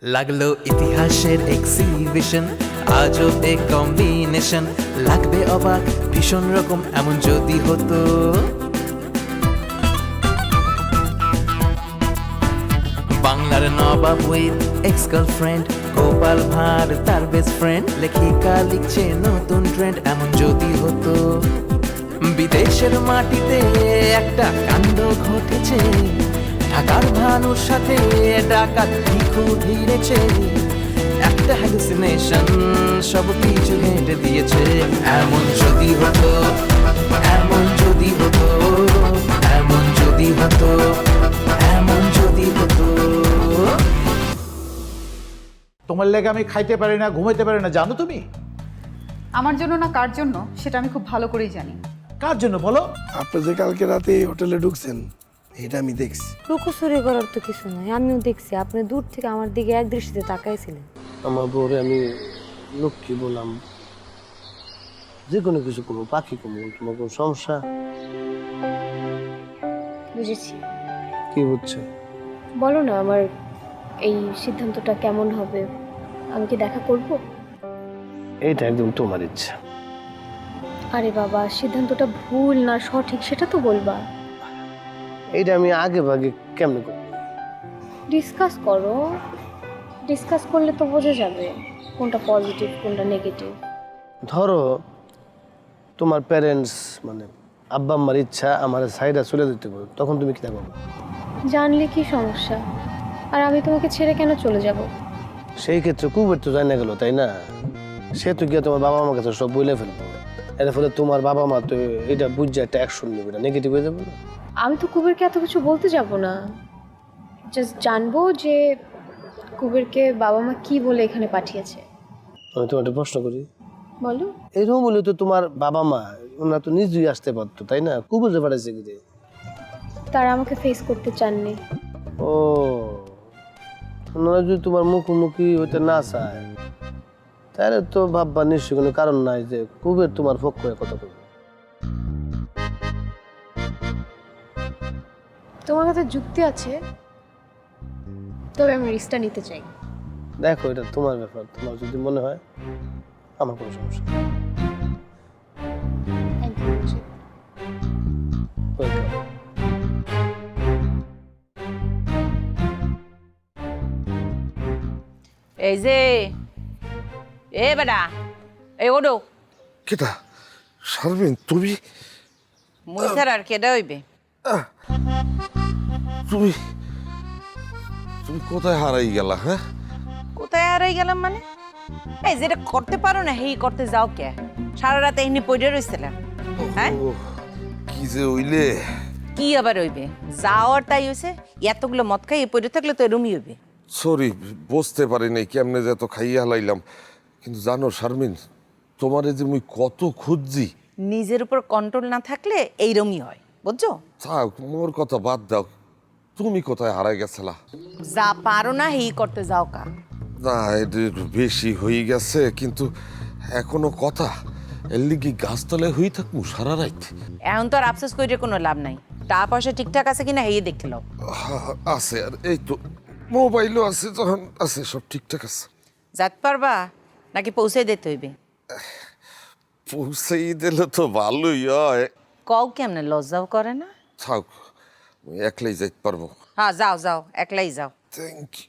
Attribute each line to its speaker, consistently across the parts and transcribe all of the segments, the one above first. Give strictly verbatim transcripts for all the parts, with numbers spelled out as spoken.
Speaker 1: লাগলো ইতিহাসের এক্সিবিশন, আজও এ কম্বিনেশন, লাগবে অবাক ভীষণ রকম এমন যদি হতো। বাংলার নবাব with ex girlfriend, Gopal Bhar তার বেস্ট ফ্রেন্ড, লেখিকা লিখছে নতুন ট্রেন্ড এমন যদি হতো। বিদেশের মাটিতে একটা কাণ্ড ঘটেছে, ঢাকার ভানুর সাথে ডাকাত ভিখু ভিড়েছে, একটা হ্যালুসিনেশন সব কিছু হেঁটে দিয়েছে। এমন যদি হতো, এমন যদি হতো, এমন যদি হতো, এমন যদি হতো।
Speaker 2: তোমার লেগে আমি খাইতে পারি না, ঘুমাইতে পারি না, জানো তুমি?
Speaker 3: আমার জন্য না কার জন্য সেটা আমি খুব ভালো করেই জানি।
Speaker 2: কার জন্য বলো?
Speaker 4: আপনি যে কালকে রাতে এই হোটেলে ঢুকছেন এটা আমি দেখছি।
Speaker 5: লুকোচুরি করার তো কিছু নাই, আমিও দেখছি আপনি দূর থেকে আমার দিকে এক দৃষ্টিতে তাকাইছিলেন।
Speaker 6: আমার বউরে আমি লক্ষ্মী বললাম, যে কোনো কিছু করবো, পাখি করবো, তোমার কোনো সমস্যা?
Speaker 7: বুঝেছি।
Speaker 6: কি হচ্ছে
Speaker 7: বলো না, আমার এই সিদ্ধান্তটা কেমন হবে? আমি কি দেখা করব?
Speaker 6: এইটা একদম তোমার ইচ্ছা।
Speaker 7: আরে বাবা, সিদ্ধান্তটা ভুল না সঠিক সেটা তো বলবা।
Speaker 6: এইটা আমি আগে ভাগে কেমনে করবো?
Speaker 7: ডিসকাস করো, ডিসকাস করলে তো বোঝা যাবে কোনটা পজিটিভ কোনটা নেগেটিভ।
Speaker 6: ধরো তোমার প্যারেন্টস মানে আব্বা আম্মার ইচ্ছা আমার সাইডা চলে যেতে পারো, তখন তুমি কি করবে?
Speaker 7: জানলে কি সমস্যা? আর আমি তোমাকে ছেড়ে কেন চলে যাব?
Speaker 6: সেই ক্ষেত্রে কুবের তো জানা গেল, তাই না? সে তো গিয়ে তোমার বাবা মার কাছে সব বলে ফেলবো, এর ফলে তোমার বাবা মা তো এটা বুঝছে একটা অ্যাকশন নেবে, না নেগেটিভ হয়ে যাবে না?
Speaker 7: আমি তো কুবেরকে এত কিছু বলতে যাব না, জাস্ট জানবো যে কুবেরকে বাবা মা কি বলে এখানে পাঠিয়েছে।
Speaker 6: আমি তোমার একটা প্রশ্ন করি,
Speaker 7: বলো।
Speaker 6: এরকম বলে তো তোমার বাবা মা ওনারা তো নিজেই আসতে পারতো, তাই না? কুবের যে পাঠাইছে কি রে?
Speaker 7: তারা আমাকে ফেস করতে চাননি।
Speaker 6: ও, ওনারা যদি তোমার মুখোমুখি হইতে না চায় তাহলে তো ভাববা নিশ্চয়ই কোনো কারণ নাই যে কুবের তোমার পক্ষ হয়ে কথা বলবে।
Speaker 7: তোমার কাছে যুক্তি আছে, তবে আমি রিস্কটা নিতে চাই।
Speaker 6: দেখো এটা তোমার ব্যাপার, তোমার যদি মনে হয় আমার কোনো সমস্যা নেই।
Speaker 7: Thank you.
Speaker 6: Welcome.
Speaker 8: এই যে এ বেটা, এই ওডো
Speaker 4: কেটা শারমিন, তুমি
Speaker 8: মুই স্যার আর কেডা হইবে?
Speaker 4: তুমি তুমি কোথায় হারাই গেলা? হ্যাঁ,
Speaker 8: কোথায় হারাই গেলাম মানে? এই যেটা করতে পারো না হেই করতে যাও কে? সারা রাত এমনি পড়ে রইছিলাম। হ্যাঁ,
Speaker 4: ও কি যে হইলে?
Speaker 8: কি আবার হইবে? যাওয়ার তাই হইছে, এতগুলো মদ খাই পড়ে থাকলে তো এরমই হইবে।
Speaker 4: সরি, বুঝতে পারি নাই কেমনে যে এত খাইয়া হালাইলাম। কিন্তু জানো শারমিন, তোমারে যে মুই কত খুঁজছি।
Speaker 8: নিজের উপর কন্ট্রোল না থাকলে এইরমই হয়, বুঝছো?
Speaker 4: থাক, মোর কথা বাদ দাও। তুমি কোথায় হারাই গেছিলা?
Speaker 8: যা পারো না হেই করতে যাও কা।
Speaker 4: না, এটা একটু বেশি হয়ে গেছে, কিন্তু এখনো কথা এর লিগি গাছতলায় হয়ে থাকবো সারা রাত।
Speaker 8: এখন তো আর আফসোস করে কোনো লাভ নাই, টাকা পয়সা ঠিকঠাক আছে কিনা হেই দেখতে লও।
Speaker 4: হা- আছে, আর এই তো মোবাইলও আছে, যখন আছে সব ঠিকঠাক আছে।
Speaker 8: যাতে পারবা নাকি পৌঁছে দিতে হইবে?
Speaker 4: পৌঁছেই দিলে তো ভালোই হয়।
Speaker 8: কও কেমনে, লজ্জাও করে না?
Speaker 4: থাক, আমি একলাই যাইতে পারবো।
Speaker 8: হ্যাঁ যাও যাও, একলাই যাও।
Speaker 4: Thank you.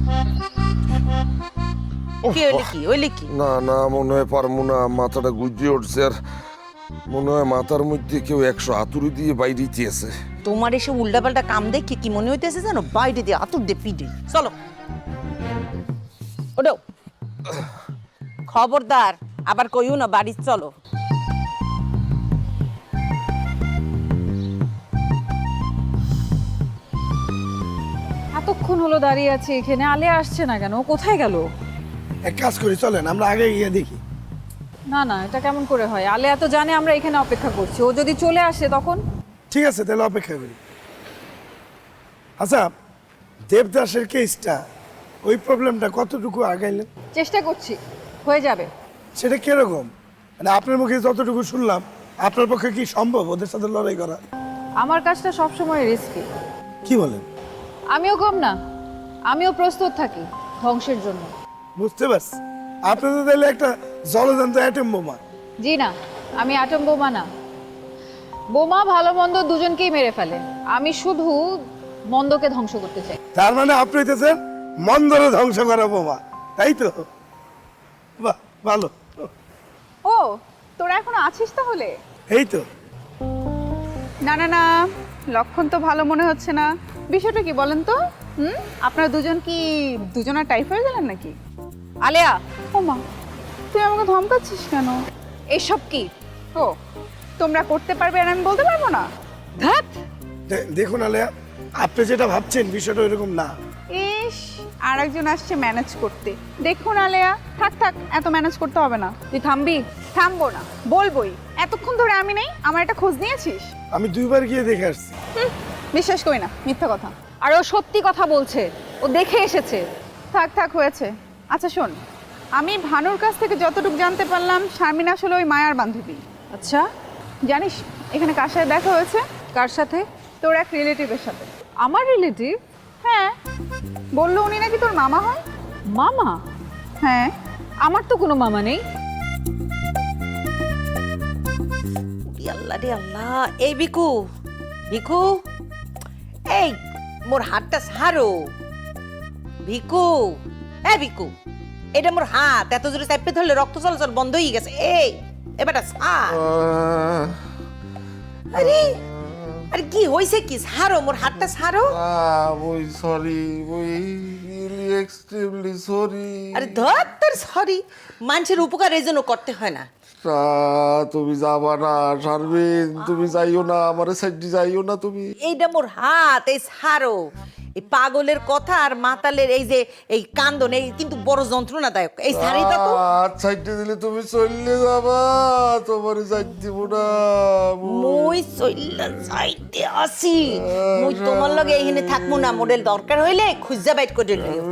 Speaker 8: কি হইলে কি হইলে কি?
Speaker 4: না না, মনে হয় পারবো না, মাথাটা গুজিয়ে উঠছে। আর মনে হয় মাথার মধ্যে কেউ একশো হাতুড়ি দিয়ে বাইরে দিয়েছে।
Speaker 8: তোমার এসে উল্টাপাল্টা কাম দেখে কি মনে হইতেছে জানো? বাইরে দিয়ে আতুর দিয়ে পিটে। চলো ওডো, খবরদার আবার কইও না বাড়ি চলো।
Speaker 3: এতক্ষণ হলো দাঁড়িয়ে আছে এখানে, আলে আসছে না কেন? ও কোথায় গেল?
Speaker 4: এক কাজ করি, চলেন আমরা আগে গিয়ে দেখি।
Speaker 3: না না, এটা কেমন করে হয়? আলে এত জানে আমরা এখানে অপেক্ষা করছি, ও যদি চলে আসে তখন?
Speaker 4: ঠিক আছে, তাহলে অপেক্ষা করি। আচ্ছা, দেবদাসের কেসটা, ওই প্রবলেমটা কতটুকু আগাইলেন?
Speaker 3: চেষ্টা করছি, হয়ে যাবে।
Speaker 4: সেটা কিরকম? মানে আপনার মুখে যতটুকু শুনলাম, আপনার পক্ষে কি সম্ভব ওদের সাথে লড়াই করা?
Speaker 3: আমার কাজটা সবসময় রিস্কি।
Speaker 4: কি বলেন?
Speaker 3: আমিও কম না, আমিও প্রস্তুত থাকি, ধ্বংসের জন্য।
Speaker 4: বুঝতে পারছি, আপনি তো তাহলে একটা জলজান্ত অ্যাটম বোমা।
Speaker 3: জি না, আমি অ্যাটম বোমা না। বোমা ভালো মন্দ দুজনকেই মেরে ফেলে, আমি শুধু মন্দকে ধ্বংস করতে চাই।
Speaker 4: তার মানে আপনি হইতেছেন মন্দরে ধ্বংস করা বোমা, তাই তো? বাহ, ভালো।
Speaker 9: ও তোরা এখনো আছিস তাহলে?
Speaker 4: এই তো।
Speaker 9: না না না, লক্ষণ তো ভালো মনে হচ্ছে না। বিষয়টা কি বলেন তো? হুম, আপনারা দুজন কি দুজনের টাইপ হয়ে গেলেন নাকি?
Speaker 3: আলেয়া,
Speaker 9: ও মা, তুই আমাকে ধমকাচ্ছিস কেন?
Speaker 3: এসব কি?
Speaker 9: ও, তোমরা করতে পারবে আর আমি বলতে পারবো না?
Speaker 3: ধ্যাত,
Speaker 4: দে- দেখুন আলেয়া, আপনি যেটা ভাবছেন বিষয়টা এরকম না।
Speaker 9: ইস, আর একজন আসছে ম্যানেজ করতে। দেখুন আলেয়া, থাক থাক, এত ম্যানেজ করতে হবে না।
Speaker 3: তুই থামবি?
Speaker 9: থামবো না, বলবোই। এতক্ষণ ধরে আমি নেই, আমার একটা খোঁজ নিয়েছিস?
Speaker 4: আমি দুইবার গিয়ে দেখে আসছি।
Speaker 9: হুম, বিশ্বাস করি না, মিথ্যা কথা।
Speaker 3: আর ও সত্যি কথা বলছে, ও দেখে এসেছে।
Speaker 9: থাক থাক, হয়েছে। আচ্ছা শোন, আমি ভানুর কাছ থেকে যতটুকু জানতে পারলাম, শারমিন আসলে ওই মায়ার বান্ধবী।
Speaker 3: আচ্ছা,
Speaker 9: জানিস এখানে কার সাথে দেখা হয়েছে?
Speaker 3: কার সাথে?
Speaker 9: তোর এক রিলেটিভের সাথে।
Speaker 3: আমার রিলেটিভ?
Speaker 9: হ্যাঁ, বললো উনি নাকি তোর মামা হয়।
Speaker 3: মামা?
Speaker 9: হ্যাঁ।
Speaker 3: আমার তো কোনো মামা নেই।
Speaker 8: ই আল্লাহ রে আল্লাহ, এই বিকু, বিকু, এই মোর হাতটা ছাড়ো। ভিকু, এই বিকু, এটা মোর হাত, এত জোরে চাপে ধরলে রক্ত চলাচল বন্ধ হয়ে গেছে। এই এবারটা ছাড়। আরে আরে কি হয়েছে কি? ছাড়ো, মোর হাতটা ছাড়ো।
Speaker 10: ওই সরি, ওই রিয়েলি এক্সট্রিমলি সরি।
Speaker 8: আরে ধর তোর সরি, মানুষের উপকার এই জন্য করতে হয় না।
Speaker 10: তুমি যাবা না শারমিন, তুমি যাইও না, আমার সাইডে যাইও না তুমি।
Speaker 8: এইটা মোর হাত, এই ছাড়ো। এই পাগলের কথা আর মাতালের এই যে এই কান্দন, এই কিন্তু বড় যন্ত্রণাদায়ক। এই শাড়িটা তো
Speaker 10: সাইডে দিলে তুমি চললে যাবা, তোমার সাইড দিব না।
Speaker 8: মই চইল্লা যাইতে আসি, মই তোমার লগে এইখানে থাকবো না। মডেল দরকার হইলে খুঁজা বাইট করে লিও।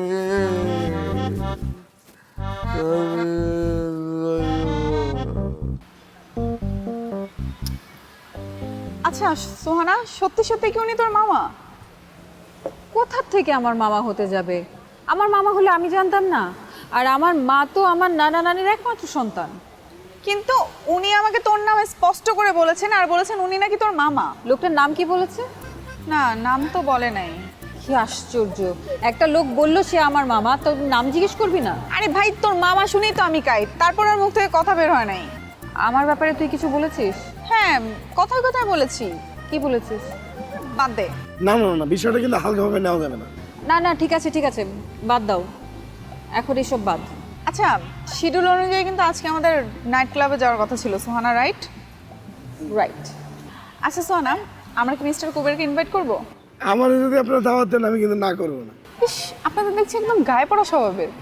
Speaker 9: আচ্ছা সোহানা, সত্যি সত্যি কি উনি তোর মামা?
Speaker 3: কোথার থেকে আমার মামা হতে যাবে? আমার মামা হলে আমি জানতাম না। আর আমার মা তো আমার নানা নানির একমাত্র সন্তান।
Speaker 9: কিন্তু উনি আমাকে তোর নামে স্পষ্ট করে বলেছেন, আর বলেছেন উনি নাকি তোর মামা।
Speaker 3: লোকটার নাম কি বলেছে?
Speaker 9: না, নাম তো বলে নাই।
Speaker 3: কি আশ্চর্য, একটা লোক বললো সে আমার মামা, তো নাম জিজ্ঞেস করবি না?
Speaker 9: আরে ভাই, তোর মামা শুনেই তো আমি কাইট, তারপর আর মুখ থেকে কথা বের হয় নাই।
Speaker 3: আমার ব্যাপারে তুই কিছু বলেছিস?
Speaker 9: হ্যাঁ, কথায় কথায় বলেছি।
Speaker 3: কি বলেছিস?
Speaker 9: বাদ দে।
Speaker 4: না না না, বিষয়টা কিন্তু হালকাভাবে নেওয়া যাবে না।
Speaker 3: না না, ঠিক আছে ঠিক আছে, বাদ দাও, এখন এসব বাদ।
Speaker 9: আচ্ছা, শিডিউল অনুযায়ী কিন্তু আজকে আমাদের নাইট ক্লাবে যাওয়ার কথা ছিল, সোহানা, রাইট?
Speaker 3: রাইট।
Speaker 9: আচ্ছা সোহানা, আমরা কি মিস্টার কুবেরকে ইনভাইট করবো?
Speaker 4: আমার যদি আপনারা দাওয়াত দেন আমি কিন্তু না করবো না।
Speaker 9: ইস, আপনাদের দেখছি একদম গায়ে পড়া স্বভাবের।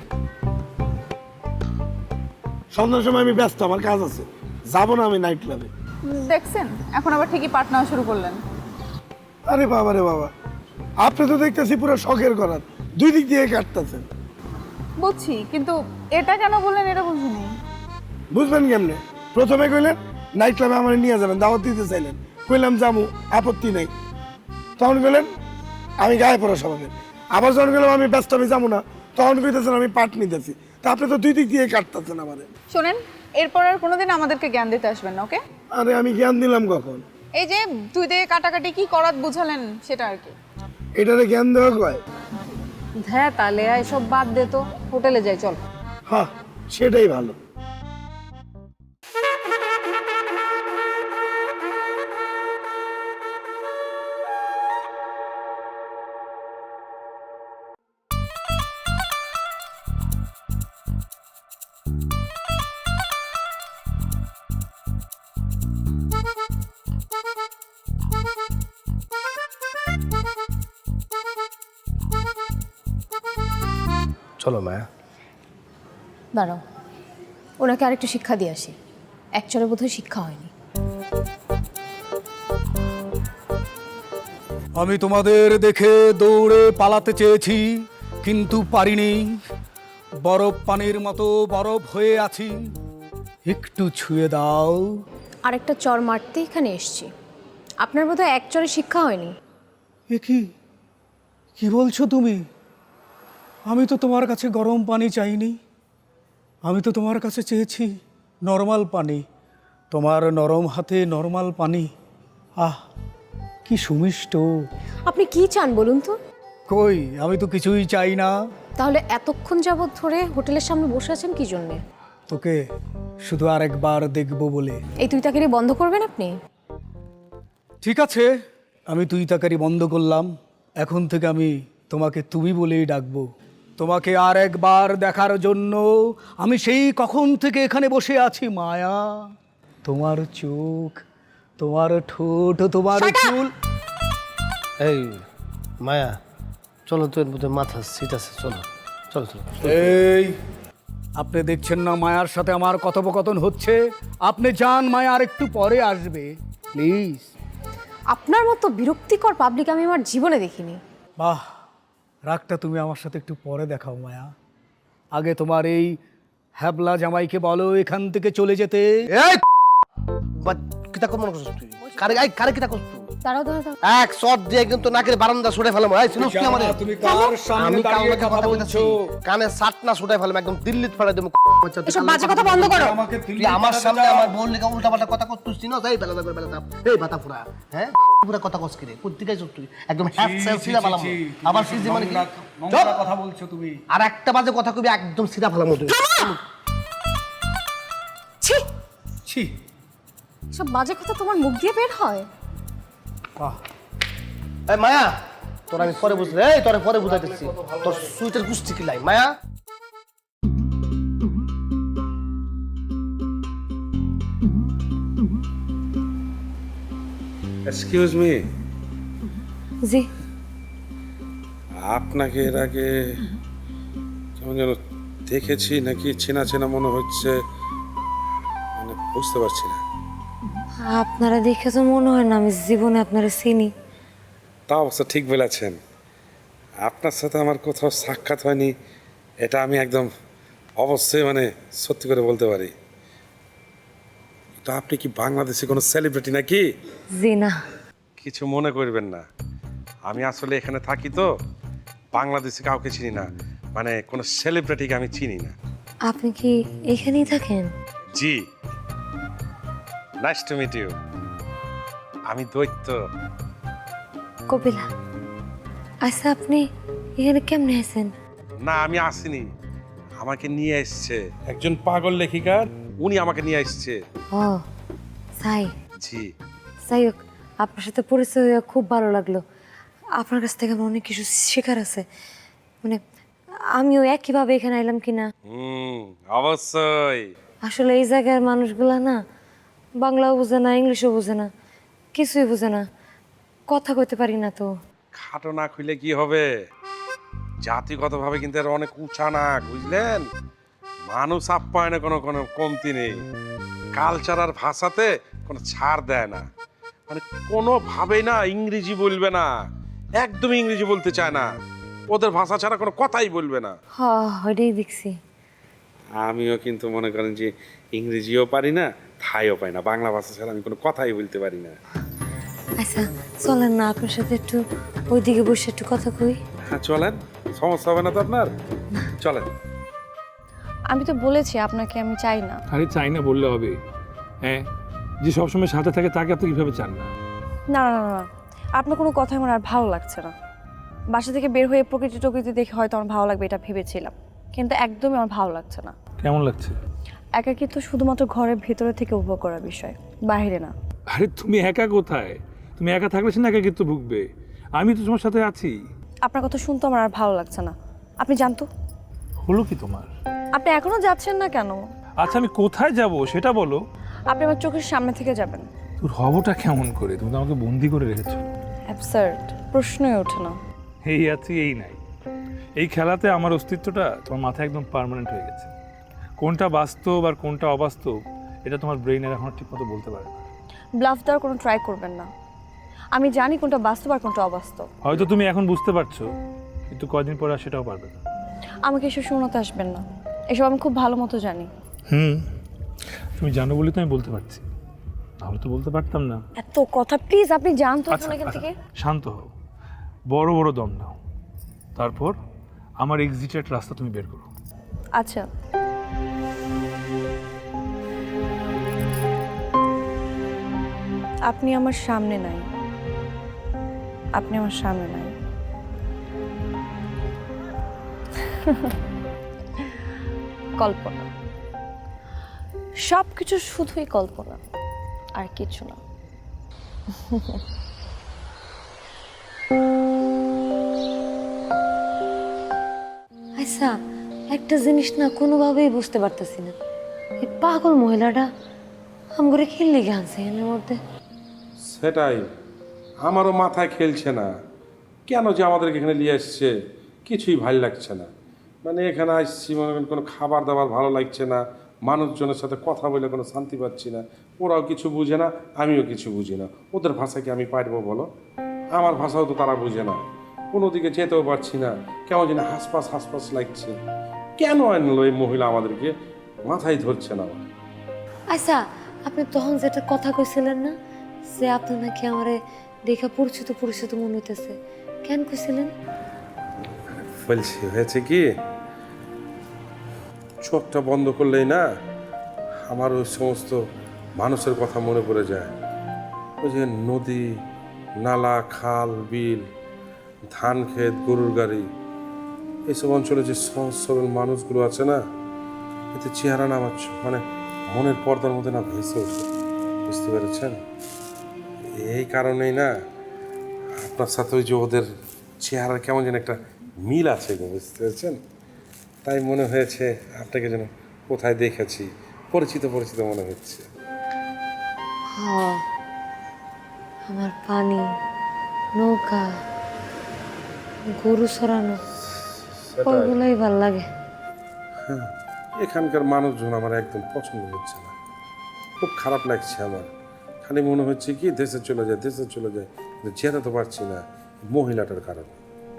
Speaker 4: সন্ধ্যার সময় আমি ব্যস্ত, আমার কাজ আছে, যাবো না আমি নাইট ক্লাবে।
Speaker 9: দেখছেন, এখন আবার ঠিকই পাট নেওয়া শুরু করলেন।
Speaker 4: আরে বাবা রে বাবা, আপনি তো দেখতেছি পুরো শখের করার, দুই দিক দিয়ে কাটতেছেন।
Speaker 9: বুঝছি, কিন্তু এটা কেন বললেন এটা বুঝিনি।
Speaker 4: বুঝবেন কেমনে? প্রথমে কইলেন নাইট ক্লাবে আমার নিয়ে যাবেন, দাওয়াত দিতে চাইলেন, কইলাম যাবো, আপত্তি নেই। তখন কইলেন আমি গায়ে পড়া স্বভাবের। আবার যখন গেলাম আমি ব্যস্ত, আমি যাবো না, তখন কইতেছেন আমি পাট নিতেছি। তা আপনি তো দুই দিক দিয়ে কাটতেছেন আমাদের।
Speaker 9: শোনেন, এরপর আর কোনোদিন আমাদেরকে জ্ঞান দিতে আসবেন না, ওকে?
Speaker 4: আরে আমি জ্ঞান দিলাম কখন?
Speaker 9: এই যে দুই দিকে কাটাকাটি কি করাত বুঝালেন সেটা আর কি।
Speaker 4: এটারে জ্ঞান দেওয়া কয়?
Speaker 3: হ্যাঁ তাহলে এসব বাদ দে তো, হোটেলে যাই চল।
Speaker 4: হ্যাঁ, সেটাই ভালো।
Speaker 6: চলো মায়া।
Speaker 7: দাঁড়াও, ওনাকে আরেকটু শিক্ষা দিয়ে আসি। একচরে বোধহয় শিক্ষা হয়নি।
Speaker 11: আমি তোমাদের দেখে দৌড়ে পালাতে চেয়েছি, কিন্তু পারিনি। বরফ পানির মতো বরফ হয়ে আছি, একটু ছুঁয়ে দাও।
Speaker 7: আরেকটা চর মারতে এখানে এসছি। আপনার বোধহয় একচরে শিক্ষা হয়নি।
Speaker 11: এ কি কি বলছো তুমি? আমি তো তোমার কাছে গরম পানি চাইনি, আমি তো তোমার কাছে চেয়েছি নর্মাল পানি। তোমার নরম হাতে নর্মাল পানি, আহ কি সুমিষ্ট।
Speaker 7: আপনি কি চান বলুন তো?
Speaker 11: কই, আমি তো কিছুই চাই না।
Speaker 7: তাহলে এতক্ষণ যাবৎ ধরে হোটেলের সামনে বসে আছেন কি জন্যে?
Speaker 11: তোকে শুধু আরেকবার দেখব বলে।
Speaker 7: এই তুই তাকে বন্ধ করবেন আপনি?
Speaker 11: ঠিক আছে, আমি তুই তাকারি বন্ধ করলাম। এখন থেকে আমি তোমাকে তুমি বলেই ডাকবো। তোমাকে আর একবার দেখার জন্য আমি সেই কখন থেকে এখানে বসে আছি মায়া। তোমার চোখ, তোমার ঠোঁট, তোমার চুল।
Speaker 6: এই মায়া, চলো তো, এর মধ্যে মাথা সিট আছে, চলো চলো চলো।
Speaker 11: এই, আপনি দেখছেন না মায়ার সাথে আমার কথোপকথন হচ্ছে? আপনি যান, মায়া আর একটু পরে আসবে, প্লিজ।
Speaker 7: আপনার মতো বিরক্তিকর পাবলিক আমি আমার জীবনে দেখিনি।
Speaker 11: বাহ, রাগটা তুমি আমার সাথে একটু পরে দেখাও মায়া। আগে তোমার এই হ্যাবলা জামাইকে বলো এখান থেকে চলে যেতে।
Speaker 6: এই কিতা কর মনে করছিস তুই? কারে আই কারে কিতা করছিস তুই?
Speaker 7: দাঁড়াও দাঁড়াও দাঁড়াও।
Speaker 6: এক শট দিয়ে কিন্তু নাকের বারান্দা ছুটে ফেলাম। এই শুনুস কি আমারে?
Speaker 11: তুমি কার সামনে
Speaker 6: আমি
Speaker 11: দাঁড়িয়ে
Speaker 6: কাউকে
Speaker 11: কথা
Speaker 6: কথা
Speaker 11: বলছো?
Speaker 6: বলছি, কানে সাট না ছুটে ফেলাম, একদম দিল্লিতে ফেলে দেব।
Speaker 7: এসব বাজে কথা বন্ধ করো।
Speaker 11: আমাকে
Speaker 6: তুই আমার সামনে আমার বোন লেগে উল্টাপাল্টা কথা করছিস না? এই বেলা বেলা বেলা এই বাতা পুরা, হ্যাঁ পুরা কথা কস কিরে? কোথা থেকে তুই একদম হ্যাপ সেল সিরা ফেলাম। আবার সিজি মানে কি?
Speaker 11: নোংরা কথা বলছো তুমি।
Speaker 6: আর একটা বাজে কথা কবি একদম সিরা ফেলাম তুই।
Speaker 7: ছি,
Speaker 11: ছি,
Speaker 7: এসব বাজে কথা তোমার মুখ দিয়ে বের হয়?
Speaker 11: বাহ,
Speaker 6: এই মায়া, তোর আমি পরে বুঝলে, এই তোরে পরে বুঝাইতেছি, তোর সুইটের কুস্তি কি লাই মায়া।
Speaker 12: এক্সকিউজ মি,
Speaker 5: জি,
Speaker 12: আপনাকে এর আগে কেমন যেন দেখেছি নাকি চেনা চেনা মনে হচ্ছে, মানে বুঝতে পারছি না।
Speaker 5: আপনারা দেখে তো মনে হয় না আমি জীবনে আপনারা চিনি।
Speaker 12: তা অবশ্য ঠিক বলেছেন, আপনার সাথে আমার কোথাও সাক্ষাৎ হয়নি, এটা আমি একদম অবশ্যই মানে সত্যি করে বলতে পারি। তো আপনি কি বাংলাদেশে কোনো সেলিব্রিটি নাকি?
Speaker 5: জি না।
Speaker 12: কিছু মনে করবেন না, আমি আসলে এখানে থাকি তো, বাংলাদেশে কাউকে চিনি না, মানে কোনো সেলিব্রিটিকে আমি চিনি না।
Speaker 5: আপনি কি এখানেই থাকেন?
Speaker 12: জি, নাইস টু মিট ইউ। আমি দৈত্য।
Speaker 5: কপিলা, আচ্ছা আপনি এখানে কেমনে আছেন?
Speaker 12: না, আমি আসিনি, আমাকে নিয়ে এসছে একজন পাগল লেখিকার, উনি আমাকে নিয়ে এসছে।
Speaker 5: ও তাই?
Speaker 12: জি।
Speaker 5: যাই হোক, আপনার সাথে পরিচয় হয়ে খুব ভালো লাগলো। আপনার কাছ থেকে আমার অনেক কিছু শেখার আছে, মানে আমিও একইভাবে এখানে এলাম কিনা।
Speaker 12: হুম, অবশ্যই।
Speaker 5: আসলে এই জায়গার মানুষগুলা না বাংলাও বোঝে না, ইংলিশও বোঝে না, কিছুই বোঝে না, কথা কইতে পারি না তো।
Speaker 12: খাটো না খুলে কি হবে, জাতিগতভাবে কিন্তু এর অনেক উঁচা না, বুঝলেন? মানুষ আপ্যায়নে কোনো কোনো কমতি নেই, কালচার আর ভাষাতে কোনো ছাড় দেয় না, মানে কোনোভাবেই না ইংরেজি বলবে না, একদম ইংরেজি বলতে চায় না, ওদের ভাষা ছাড়া কোনো কথাই বলবে না।
Speaker 5: হ ওইটাই দেখছি।
Speaker 12: আমিও কিন্তু মনে করেন যে ইংরেজিও পারি না, থাইও পারি না, বাংলা ভাষা ছাড়া আমি কোনো কথাই বলতে পারি না।
Speaker 5: আচ্ছা চলেন না আপনার সাথে একটু ওইদিকে বসে একটু কথা কই।
Speaker 12: হ্যাঁ চলেন, সমস্যা হবে না তো আপনার, চলেন।
Speaker 7: আমি তো বলেছি আপনাকে আমি চাই না।
Speaker 13: আরে চাই না বললে হবে? হ্যাঁ, যে সবসময় সাথে থাকে তাকে আপনি কীভাবে চান না?
Speaker 7: না না না না, আপনার কোনো কথা আমার আর ভালো লাগছে না। বাসা থেকে বের হয়ে প্রকৃতি টকৃতি দেখে হয়তো আমার ভালো লাগবে এটা ভেবেছিলাম, কিন্তু একদমই আমার ভালো লাগছে না।
Speaker 13: কেমন লাগছে?
Speaker 7: একাকিত্ব শুধুমাত্র ঘরের ভেতরে থেকে উপভোগ করার বিষয়, বাইরে না।
Speaker 13: আরে তুমি একা কোথায়? তুমি একা থাকলে সে না একাকিত্ব ভুগবে, আমি তো তোমার সাথে আছি।
Speaker 7: আপনার কথা শুনতে আমার আর ভালো লাগছে না, আপনি জানতো।
Speaker 13: হলো কি তোমার?
Speaker 7: আপনি এখনো যাচ্ছেন না কেন?
Speaker 13: আচ্ছা আমি কোথায় যাব সেটা বলো।
Speaker 7: আপনি আমার চোখের সামনে থেকে যাবেন।
Speaker 13: তোর হবটা কেমন করে? তুমি তো আমাকে বন্দি করে রেখেছো।
Speaker 7: অ্যাবসার্ড, প্রশ্নই ওঠে না।
Speaker 13: এই আছি এই নাই, এই খেলাতে আমার অস্তিত্বটা তোমার মাথায় একদম পার্মানেন্ট হয়ে গেছে। কোনটা বাস্তব আর কোনটা অবাস্তব এটা তোমার ব্রেইনের এখন ঠিকমতো বলতে পারে না।
Speaker 7: ব্লাফ দেওয়ার কোনো ট্রাই করবেন না, আমি জানি কোনটা বাস্তব আর কোনটা অবাস্তব।
Speaker 13: হয়তো তুমি এখন বুঝতে পারছো, কিন্তু কয়দিন পরে আর সেটাও পারবে না।
Speaker 7: আমাকে এসব শোনাতে আসবেন না, এসব আমি খুব ভালো মতো জানি।
Speaker 13: হুম, তুমি জানো বলে তো আমি বলতে পারছি, তাহলে তো বলতে পারতাম না।
Speaker 7: এত কথা প্লিজ আপনি জানতো
Speaker 13: আচ্ছা,
Speaker 7: এখান থেকে।
Speaker 13: শান্ত হও, বড় বড় দম নাও, তারপর আমার এক্সিটের রাস্তা তুমি বের করো।
Speaker 7: আচ্ছা, আপনি আমার সামনে নাই, আপনি আমার সামনে নাই। কল্পনা, সব কিছু শুধুই কল্পনা, আর কিছু না।
Speaker 5: আচ্ছা, একটা জিনিস না কোনোভাবেই বুঝতে পারতেছি না, এই পাগল মহিলাটা আমগরে খেললে গে আনছে এর মধ্যে।
Speaker 12: সেটাই আমারও মাথায় খেলছে না, কেন যে আমাদেরকে এখানে নিয়ে আসছে কিছুই ভালো লাগছে না। মানে এখানে আসছি মনে করেন কোনো খাবার দাবার ভালো লাগছে না, মানুষজনের সাথে কথা বলে কোনো শান্তি পাচ্ছি না। ওরাও কিছু বুঝে না, আমিও কিছু বুঝি না। ওদের ভাষা কি আমি পারবো বলো? আমার ভাষাও তো তারা বুঝে না। কোনো দিকে যেতেও পারছি না, কেমন যেন হাসপাস হাসপাস লাগছে। কেন আনলো এই মহিলা আমাদেরকে, মাথায় ধরছে না আমার।
Speaker 5: আচ্ছা, আপনি তখন যেটা কথা কইছিলেন না যে আপনি নাকি আমারে দেখা পরিচিত পরিচিত মনে হইতেছে, কেন কইছিলেন?
Speaker 12: বলছি হয়েছে কি, চোখটা বন্ধ করলেই না আমার ওই সমস্ত মানুষের কথা মনে পড়ে যায়। ওই যে নদী, নালা, খাল, বিল, ধান ক্ষেত, গরুর গাড়ি, এইসব অঞ্চলে যে সহজ সরল মানুষগুলো আছে না, এতে চেহারা না আমার মানে মনের পর্দার মধ্যে না ভেসে ওঠে। বুঝতে পেরেছেন? এই কারণেই না আপনার সাথে ওই যে ওদের চেহারার কেমন যেন একটা মিল আছে গো, বুঝতে পেরেছেন? তাই মনে হয়েছে আপনাকে যেন কোথায় দেখেছি, পরিচিত পরিচিত মনে হচ্ছে।
Speaker 5: হ্যাঁ, আমার পানি, নৌকা, গরু সরানো, ওইগুলোই ভাল লাগে।
Speaker 12: হ্যাঁ, এখানকার মানুষজন আমার একদম পছন্দ হচ্ছে না, খুব খারাপ লাগছে আমার। খালি মনে হচ্ছে কি দেশে চলে যায়, দেশে চলে যায়, কিন্তু যেতে তো পারছি না মহিলাটার কারণে।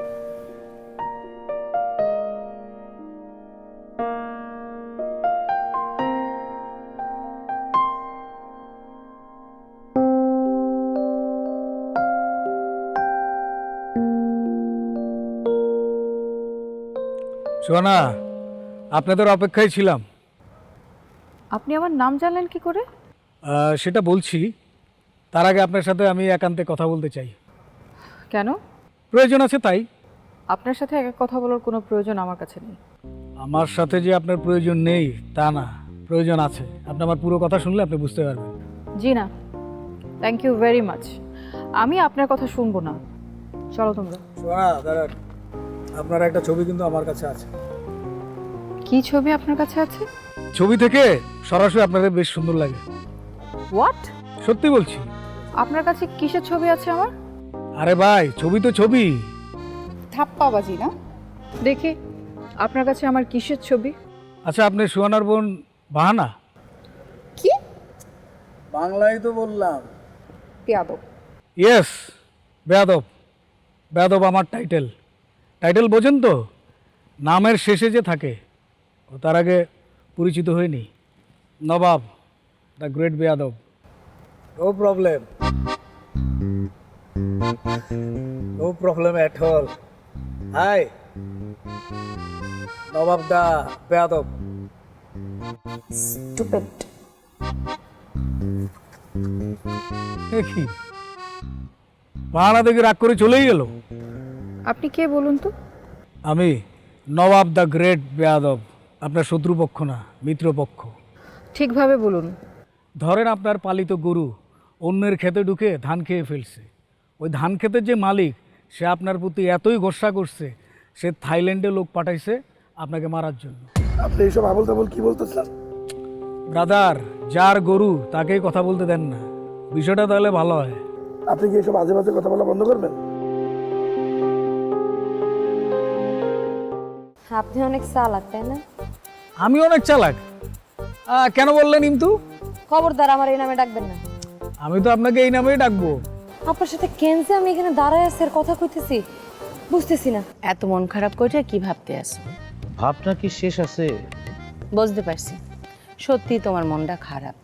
Speaker 11: সোনা, আপনাদের অপেক্ষায় ছিলাম।
Speaker 3: আপনি আমার নাম জানলেন কি করে?
Speaker 11: আহ, সেটা বলছি, তার আগে আপনার সাথে আমি একান্তে কথা বলতে চাই।
Speaker 3: কেন?
Speaker 11: প্রয়োজন আছে তাই।
Speaker 3: আপনার সাথে এক কথা বলার কোনো প্রয়োজন আমার কাছে নেই।
Speaker 11: আমার সাথে যে আপনার প্রয়োজন নেই তা না, প্রয়োজন আছে। আপনি আমার পুরো কথা শুনলে আপনি বুঝতে পারবেন।
Speaker 3: জি না, থ্যাংক ইউ ভেরি মাচ। আমি আপনার কথা শুনবো না। চলো তোমরা।
Speaker 11: সোনা দাঁড়ান, আপনার একটা ছবি কিন্তু আমার কাছে আছে।
Speaker 3: কি ছবি আপনার কাছে আছে?
Speaker 11: ছবি থেকে সরাসরি আপনাদের বেশ সুন্দর লাগে।
Speaker 3: হোয়াট?
Speaker 11: সত্যি বলছি।
Speaker 3: আপনার কাছে কিসের ছবি আছে আমার?
Speaker 11: আরে ভাই, ছবি তো ছবি।
Speaker 9: ধাপ্পাবাজি না?
Speaker 3: দেখি আপনার কাছে আমার কিসের ছবি।
Speaker 11: আচ্ছা, আপনি সুহানার বোন বাহানা?
Speaker 9: কি?
Speaker 11: বাংলায় তো বললাম।
Speaker 9: পেয়াদব।
Speaker 11: ইয়েস, বেয়াদব। বেয়াদব আমার টাইটেল। টাইটেল বোঝেন তো? নামের শেষে যে থাকে, ও তার আগে পরিচিত হয়নি। নবাব, দ্য গ্রেট বেয়াদব। No problem, no problem at all. Hi, নবাব দা বেয়াদব।
Speaker 9: স্টুপিড।
Speaker 11: কি বাহানা দেখে রাগ করে চলেই গেল?
Speaker 3: আপনি কে বলুন তো?
Speaker 11: আমি নবাব দ্য গ্রেট বেয়াদব, আপনার শত্রুপক্ষ না, মিত্রপক্ষ।
Speaker 3: ঠিকভাবে বলুন।
Speaker 11: ধরেন আপনার পালিত গরু অন্যের ক্ষেতে ঢুকে ধান খেয়ে ফেলছে। ওই ধান ক্ষেতের যে মালিক, সে আপনার প্রতি এতই গোসা করছে, সে থাইল্যান্ডে লোক পাঠাইছে আপনাকে মারার জন্য।
Speaker 4: আপনি এইসব আবল তাবল কি বলতেছেন?
Speaker 11: ব্রাদার, যার গরু তাকেই কথা বলতে দেন না, বিষয়টা তাহলে ভালো হয়।
Speaker 4: আপনি কি এইসব আজে বাজে কথা বলা বন্ধ করবেন?
Speaker 5: আপনি অনেক চালাক, তাই না?
Speaker 11: আমি অনেক চালাক? আহ, কেন বললেন কিন্তু?
Speaker 5: খবরদার আমার এই নামে ডাকবেন না।
Speaker 11: আমি তো আপনাকে এই নামেই ডাকবো।
Speaker 5: আপনার সাথে কেন যে আমি এখানে দাঁড়ায় আছি আর কথা কইতেছি বুঝতেছি না।
Speaker 8: এত মন খারাপ করে কি ভাবতে আসো?
Speaker 6: ভাবনা কি শেষ আছে?
Speaker 8: বুঝতে পারছি, সত্যি তোমার মনটা খারাপ।